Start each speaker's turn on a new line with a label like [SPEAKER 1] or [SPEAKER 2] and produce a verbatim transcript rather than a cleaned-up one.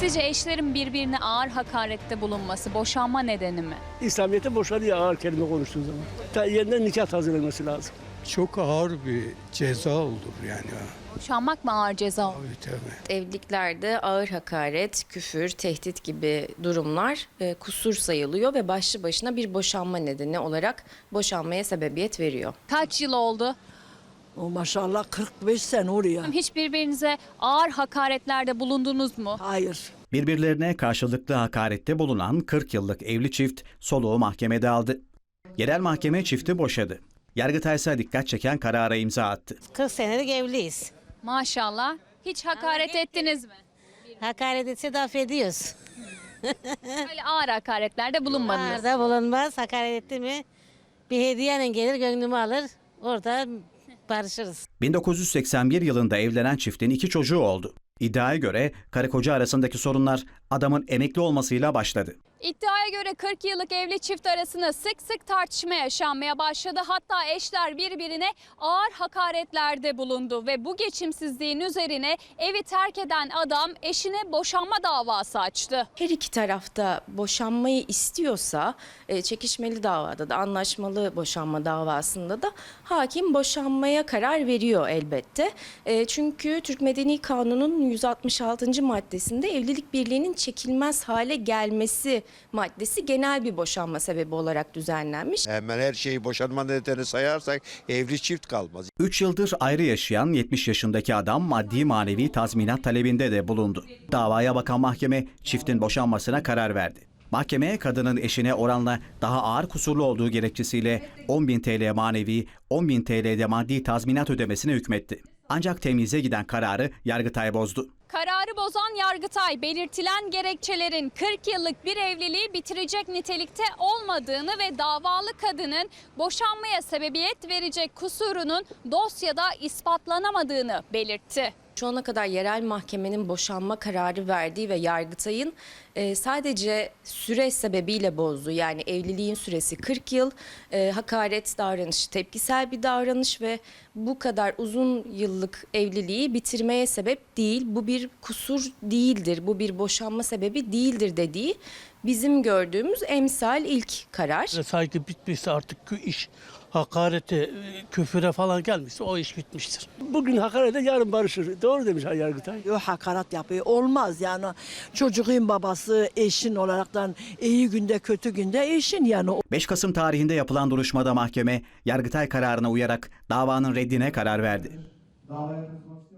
[SPEAKER 1] Sizce eşlerin birbirine ağır hakarette bulunması boşanma nedeni mi?
[SPEAKER 2] İslamiyet'te boşanıyor ağır kelime konuştuğu zaman. Ta yeniden nikah hazırlanması lazım.
[SPEAKER 3] Çok ağır bir ceza olur yani.
[SPEAKER 1] Boşanmak mı ağır ceza olur?
[SPEAKER 3] Tabii tabii.
[SPEAKER 4] Evliliklerde ağır hakaret, küfür, tehdit gibi durumlar e, kusur sayılıyor ve başlı başına bir boşanma nedeni olarak boşanmaya sebebiyet veriyor.
[SPEAKER 1] Kaç yıl oldu?
[SPEAKER 5] O maşallah kırk beş sene oluyor.
[SPEAKER 1] Hiç birbirinize ağır hakaretlerde bulundunuz mu?
[SPEAKER 5] Hayır.
[SPEAKER 6] Birbirlerine karşılıklı hakarette bulunan kırk yıllık evli çift soluğu mahkemede aldı. Yerel mahkeme çifti boşadı. Yargıtay ise dikkat çeken karara imza attı.
[SPEAKER 7] kırk senelik evliyiz.
[SPEAKER 1] Maşallah. Hiç hakaret ettiniz mi?
[SPEAKER 7] Hakaret etse de affediyoruz.
[SPEAKER 1] Öyle ağır hakaretlerde bulunmadınız.
[SPEAKER 7] Arada bulunmaz. Hakaret etti mi bir hediyeyle gelir gönlümü alır. Orada barışırız.
[SPEAKER 6] bin dokuz yüz seksen bir yılında evlenen çiftin iki çocuğu oldu. İddiaya göre karı koca arasındaki sorunlar adamın emekli olmasıyla başladı.
[SPEAKER 1] İddiaya göre kırk yıllık evli çift arasında sık sık tartışma yaşanmaya başladı. Hatta eşler birbirine ağır hakaretlerde bulundu ve bu geçimsizliğin üzerine evi terk eden adam eşine boşanma davası açtı.
[SPEAKER 4] Her iki tarafta boşanmayı istiyorsa e, çekişmeli davada da anlaşmalı boşanma davasında da hakim boşanmaya karar veriyor elbette. E, çünkü Türk Medeni Kanunu'nun yüz altmış altıncı maddesinde evlilik birliğinin çekilmez hale gelmesi maddesi genel bir boşanma sebebi olarak düzenlenmiş.
[SPEAKER 8] Hemen her şeyi boşanma nedeni sayarsak evli çift kalmaz.
[SPEAKER 6] üç yıldır ayrı yaşayan yetmiş yaşındaki adam maddi manevi tazminat talebinde de bulundu. Davaya bakan mahkeme çiftin boşanmasına karar verdi. Mahkeme kadının eşine oranla daha ağır kusurlu olduğu gerekçesiyle on bin T L manevi, on bin T L'de maddi tazminat ödemesine hükmetti. Ancak temyize giden kararı Yargıtay bozdu.
[SPEAKER 1] Kararı bozan Yargıtay belirtilen gerekçelerin kırk yıllık bir evliliği bitirecek nitelikte olmadığını ve davalı kadının boşanmaya sebebiyet verecek kusurunun dosyada ispatlanamadığını belirtti.
[SPEAKER 4] Şu ana kadar yerel mahkemenin boşanma kararı verdiği ve Yargıtay'ın e, sadece süre sebebiyle bozduğu, yani evliliğin süresi kırk yıl, e, hakaret davranışı tepkisel bir davranış ve bu kadar uzun yıllık evliliği bitirmeye sebep değil, bu bir kusur değildir, bu bir boşanma sebebi değildir dediği bizim gördüğümüz emsal ilk karar.
[SPEAKER 2] Saygı bitmişse artık iş hakarete, küfüre falan gelmişse o iş bitmiştir. Bugün hakarete yarın barışır. Doğru demiş Yargıtay.
[SPEAKER 5] Yok hakaret yapıyor. Olmaz yani. Çocuğun babası eşin olaraktan iyi günde kötü günde eşin yani.
[SPEAKER 6] beş Kasım tarihinde yapılan duruşmada mahkeme Yargıtay kararına uyarak davanın reddine karar verdi.